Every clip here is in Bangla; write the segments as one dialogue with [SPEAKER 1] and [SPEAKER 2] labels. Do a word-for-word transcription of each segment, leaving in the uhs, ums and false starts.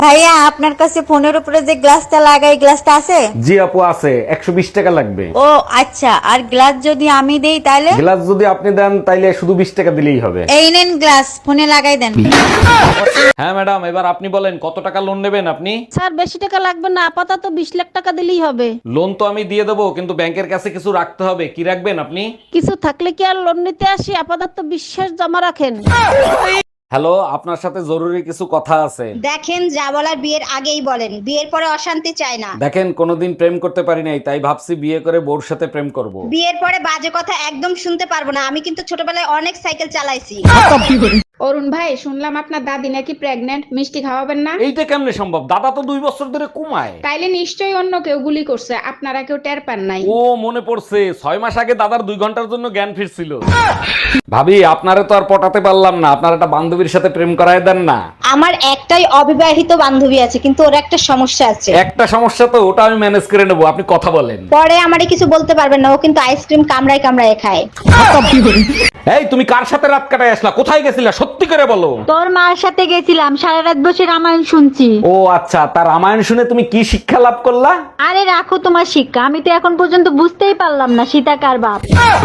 [SPEAKER 1] ভাইয়া আপনার কাছে ফোনের উপরে যে গ্লাসটা লাগাই গ্লাসটা আছে?
[SPEAKER 2] জি আপু আছে, একশো বিশ টাকা লাগবে।
[SPEAKER 1] ও আচ্ছা, আর গ্লাস যদি আমি দেই তাহলে?
[SPEAKER 2] গ্লাস যদি আপনি দেন তাইলে শুধু বিশ টাকা দিলেই হবে।
[SPEAKER 1] এই নেন গ্লাস, ফোনে লাগাই দেন।
[SPEAKER 2] হ্যাঁ ম্যাডাম, এবার আপনি বলেন কত টাকা লোন নেবেন আপনি?
[SPEAKER 3] স্যার বেশি টাকা লাগবে না, আপাতত বিশ লাখ টাকা দিলেই হবে।
[SPEAKER 2] লোন তো আমি দিয়ে দেবো, কিন্তু ব্যাংকের কাছে কিছু রাখতে হবে। কি রাখবেন আপনি?
[SPEAKER 3] কিছু থাকলে কি আর লোন নিতে আসি? আপাতত বিশ্বাস জমা রাখেন।
[SPEAKER 2] হ্যালো, আপনার সাথে জরুরি কিছু কথা আছে।
[SPEAKER 4] দেখেন, যা বলার বিয়ের আগেই বলেন, বিয়ের পরে অশান্তি চাই না।
[SPEAKER 2] দেখেন, কোনোদিন প্রেম করতে পারি নাই, তাই ভাবছি বিয়ে করে বউর সাথে প্রেম করব।
[SPEAKER 4] বিয়ের পরে বাজে কথা একদম শুনতে পারবো না। আমি কিন্তু ছোটবেলায় অনেক সাইকেল চালাইছি।
[SPEAKER 5] অরুণ ভাই, শুনলাম আপনার দাদি নাকি প্রেগনেন্ট, মিষ্টি খাওয়াবেন না?
[SPEAKER 2] এইটা কেমনে সম্ভব? দাদা তো দুই বছর ধরে কমায়।
[SPEAKER 5] তাইলে নিশ্চয়ই অন্য কেউ গুলি করছে, আপনারা কেউ টের পান নাই।
[SPEAKER 2] ও মনে পড়ছে, ছয় মাস আগে দাদার দুই ঘন্টার জন্য জ্ঞান ফিরছিল। ভাবি, আপনারে তো আর পটাতে পারলাম না, আপনার একটা বান্ধবীর সাথে প্রেম করায় দেন না।
[SPEAKER 4] আমার একটাই অবিবাহিত বান্ধবী আছে, কিন্তু ওর একটা সমস্যা আছে।
[SPEAKER 2] একটা সমস্যা তো, ওটা আমি ম্যানেজ করে নেবো, আপনি কথা বলেন।
[SPEAKER 4] পরে আমারে কিছু বলতে পারবেন না, ও কিন্তু আইসক্রিম কামড়ায় কামড়ায় খায়।
[SPEAKER 2] এই তুমি কার সাথে রাত কাটায় আসলা? কোথায় গেছিলা? সত্যি করে বলো।
[SPEAKER 1] তোর মার সাথে গেছিলাম, সারা রাত বসে রামায়ণ শুনছি।
[SPEAKER 2] ও আচ্ছা, তার রামায়ণ শুনে তুমি কি শিক্ষা লাভ করলা?
[SPEAKER 1] আরে রাখো তোমার শিক্ষা, আমি তো এখন পর্যন্ত বুঝতেই পারলাম না সীতা কার বাপ।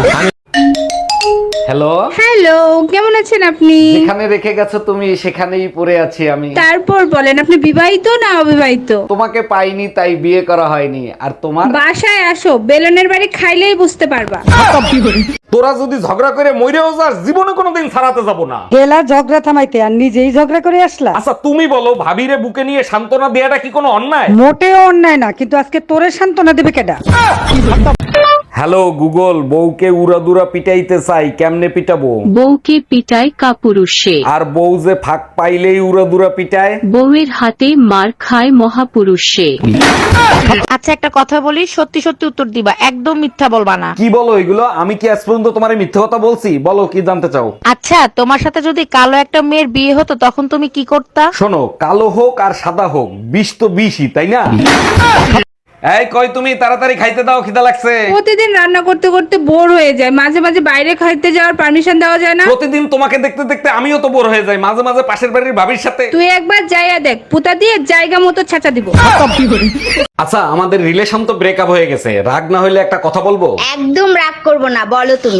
[SPEAKER 2] হ্যালো
[SPEAKER 6] হ্যালো, কেমন আছেন আপনি?
[SPEAKER 2] যেখানে রেখে গেছো তুমি সেখানেই পড়ে আছি আমি।
[SPEAKER 6] তারপর বলেন, আপনি বিবাহিত না অবিবাহিত?
[SPEAKER 2] তোমাকে পাইনি তাই বিয়ে করা হয়নি। আর তোমার?
[SPEAKER 6] বাসায় আসো, বেলনের বাড়ি খাইলেই বুঝতে পারবা।
[SPEAKER 2] তোরা যদি ঝগড়া করে মইরেও যাস, জীবনে কোনোদিন ছাড়াতে যাব না।
[SPEAKER 7] গেলা ঝগড়া থামাইতে আর নিজেই ঝগড়া করে আসলা।
[SPEAKER 2] আচ্ছা তুমি বলো, ভাবিরে বুকে নিয়ে সান্ত্বনা দেয়াটা কি কোনো অন্যায়?
[SPEAKER 7] মোটেও অন্যায় না, কিন্তু আজকে তোরে সান্ত্বনা দেবে কেডা?
[SPEAKER 2] হ্যালো গুগল, বউকে উড়াদুরা পিটাইতে চাই, কেমনে পিটাবো?
[SPEAKER 8] বউকে পিটায় কাপুরুষে,
[SPEAKER 2] আর বউ যে ফাঁক পাইলেই উড়াদুরা পিটায়।
[SPEAKER 8] বউয়ের হাতে মার খায় মহাপুরুষে।
[SPEAKER 3] আচ্ছা একটা কথা বলি, সত্যি সত্যি উত্তর দিবা, একদম মিথ্যা বলবা না।
[SPEAKER 2] কি বলো এগুলো? আমি কি আজ পর্যন্ত তোমার মিথ্যে কথা বলছি? বলো কি জানতে চাও?
[SPEAKER 3] আচ্ছা, তোমার সাথে যদি কালো একটা মেয়ের বিয়ে হতো তখন তুমি কি করতা?
[SPEAKER 2] শোনো, কালো হোক আর সাদা হোক, বিষ তো বিষই, তাই না? এই কই তুমি, তাড়াতাড়ি খাইতে দাও, খিদা লাগছে।
[SPEAKER 6] প্রতিদিন রান্না করতে করতে বোর হয়ে যায়, মাঝে মাঝে বাইরে খাইতে যাওয়ার পারমিশন দেওয়া যায় না?
[SPEAKER 2] প্রতিদিন তোমাকে দেখতে দেখতে আমিও তো বোর হয়ে যাই, মাঝে মাঝে পাশের বাড়ির ভাবির সাথে।
[SPEAKER 6] তুই একবার যাইয়া দেখ, পুতা দিয়ে জায়গা মতো ছাঁচা দিব।
[SPEAKER 2] আচ্ছা, আমাদের রিলেশন তো ব্রেকআপ হয়ে গেছে, রাগ না হইলে একটা কথা বলবো?
[SPEAKER 4] একদম রাগ করবো না, বলো তুমি।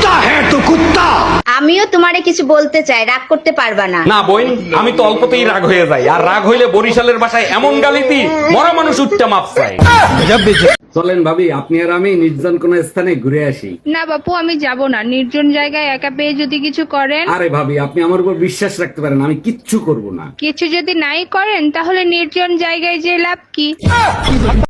[SPEAKER 4] আমিও তোমারে কিছু বলতে চাই, রাগ করতে পারবা না।
[SPEAKER 2] না বোন, আমি তো অল্পতেই রাগ হয়ে যাই, আর রাগ হইলে বরিশালের ভাষায় এমন গালি দিই, মরা মানুষ উঠতে মাপ চাই। চলেন ভাবি, আপনি আর আমি নির্জন কোন স্থানে ঘুরে আসি।
[SPEAKER 6] না বাপু, আমি যাব না, নির্জন জায়গায় একা পেয়ে যদি কিছু করেন।
[SPEAKER 2] আরে ভাবি, আপনি আমার উপর বিশ্বাস রাখতে পারেন, আমি কিচ্ছু করব না।
[SPEAKER 6] কিছু যদি নাই করেন তাহলে নির্জন জায়গায় যে লাভ কি?